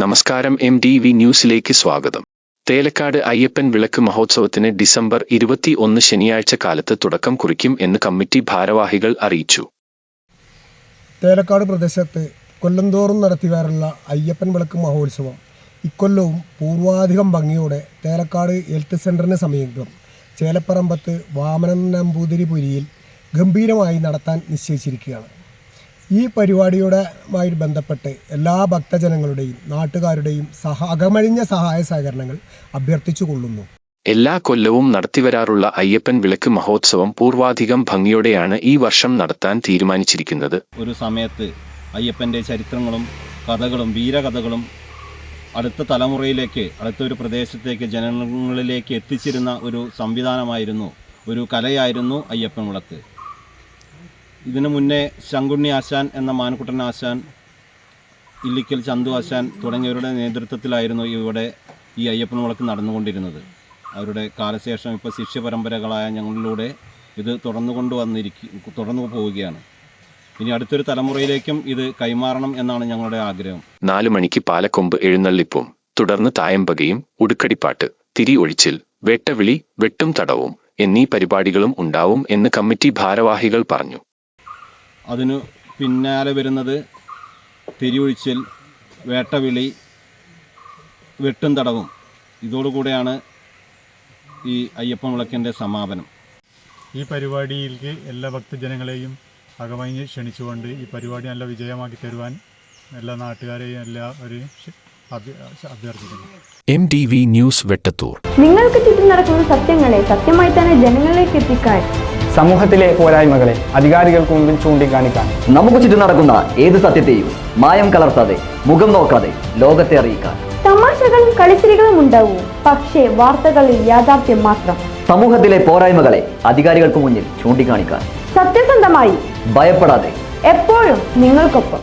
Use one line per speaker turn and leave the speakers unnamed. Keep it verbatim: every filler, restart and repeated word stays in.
നമസ്കാരം. M D V ന്യൂസിലേക്ക് സ്വാഗതം. തേലക്കാട് അയ്യപ്പൻ വിളക്ക് മഹോത്സവത്തിന് ഡിസംബർ ഇരുപത്തി ഒന്ന് ശനിയാഴ്ച കാലത്ത് തുടക്കം കുറിക്കും എന്ന് കമ്മിറ്റി ഭാരവാഹികൾ അറിയിച്ചു.
തേലക്കാട് പ്രദേശത്ത് കൊല്ലംതോറും നടത്തിവരുന്ന അയ്യപ്പൻ വിളക്ക് മഹോത്സവം ഇക്കൊല്ലവും പൂർവാധികം ഭംഗിയോടെ തേലക്കാട് ഹെൽത്ത് സെൻ്ററിന് സമീപം ചേലപ്പറമ്പത്ത് വാമനൻ നമ്പൂതിരിപുരിയിൽ ഗംഭീരമായി നടത്താൻ നിശ്ചയിച്ചിരിക്കുകയാണ്. ഈ പരിപാടിയുമായി ബന്ധപ്പെട്ട് എല്ലാ ഭക്തജനങ്ങളുടെയും നാട്ടുകാരുടെയും സഹ അകമഴിഞ്ഞ സഹായ സഹകരണങ്ങൾ അഭ്യർത്ഥിച്ചു കൊള്ളുന്നു.
എല്ലാ കൊല്ലവും നടത്തിവരാറുള്ള അയ്യപ്പൻ വിളക്ക് മഹോത്സവം പൂർവാധികം ഭംഗിയോടെയാണ് ഈ വർഷം നടത്താൻ തീരുമാനിച്ചിരിക്കുന്നത്.
ഒരു സമയത്ത് അയ്യപ്പൻ്റെ ചരിത്രങ്ങളും കഥകളും വീരകഥകളും അടുത്ത തലമുറയിലേക്ക് അടുത്തൊരു പ്രദേശത്തേക്ക് ജനങ്ങളിലേക്ക് എത്തിച്ചിരുന്ന ഒരു സംവിധാനമായിരുന്നു, ഒരു കലയായിരുന്നു അയ്യപ്പൻ വിളക്ക്. ഇതിനു മുന്നേ ശങ്കുണ്ണി ആശാൻ എന്ന മാൻകുട്ടൻ ആശാൻ, ഇല്ലിക്കൽ ചന്തു ആശാൻ തുടങ്ങിയവരുടെ നേതൃത്വത്തിലായിരുന്നു ഇവിടെ ഈ അയ്യപ്പൻ വിളക്ക് നടന്നുകൊണ്ടിരുന്നത്. അവരുടെ കാലശേഷം ഇപ്പോൾ ശിഷ്യപരമ്പരകളായ ഞങ്ങളിലൂടെ ഇത് തുടർന്നു കൊണ്ടുവന്നിരിക്കും തുടർന്നു പോവുകയാണ്. ഇനി അടുത്തൊരു തലമുറയിലേക്കും ഇത് കൈമാറണം എന്നാണ് ഞങ്ങളുടെ ആഗ്രഹം.
നാലു മണിക്ക് പാലക്കൊമ്പ് എഴുന്നള്ളിപ്പും തുടർന്ന് തായമ്പകയും ഉടുക്കടിപ്പാട്ട്, തിരി ഒഴിച്ചിൽ, വേട്ടവിളി, വെട്ടും തടവും എന്നീ പരിപാടികളും ഉണ്ടാവും എന്ന് കമ്മിറ്റി ഭാരവാഹികൾ പറഞ്ഞു.
അതിനു പിന്നാലെ വരുന്നത് തിരിയൊഴിച്ചിൽ, വേട്ടവിളി, വെട്ടും തടവും. ഇതോടുകൂടെയാണ് ഈ അയ്യപ്പൻ വിളക്കിൻ്റെ സമാപനം.
ഈ പരിപാടിയിലേക്ക് എല്ലാ ഭക്തജനങ്ങളെയും അകമഴിഞ്ഞ് ക്ഷണിച്ചുകൊണ്ട് ഈ പരിപാടി നല്ല വിജയമാക്കി തരുവാൻ എല്ലാ നാട്ടുകാരെയും എല്ലാവരെയും അഭ്യർത്ഥിക്കുന്നു.
M D V news Vettathur.
നിങ്ങൾക്ക് ചുറ്റും നടക്കുന്ന സത്യങ്ങളെ സത്യമായി തന്നെ ജനങ്ങളിലേക്ക് എത്തിക്കാൻ,
സമൂഹത്തിലെ പോരായ്മകളെ അധികാരികൾക്ക് മുമ്പിൽ ചൂണ്ടിക്കാണിക്കാൻ,
നമുക്ക് ചുറ്റും നടക്കുന്ന ഏത് സത്യത്തെയും മായം കലർത്താതെ മുഖം നോക്കാതെ ലോകത്തെ അറിയിക്കാൻ.
തമാശകളും കളിച്ചിരികളും ഉണ്ടാവും, പക്ഷേ വാർത്തകളിൽ യാഥാർത്ഥ്യം മാത്രം.
സമൂഹത്തിലെ പോരായ്മകളെ അധികാരികൾക്ക് മുന്നിൽ ചൂണ്ടിക്കാണിക്കാൻ,
സത്യസന്ധമായി,
ഭയപ്പെടാതെ,
എപ്പോഴും നിങ്ങൾക്കൊപ്പം.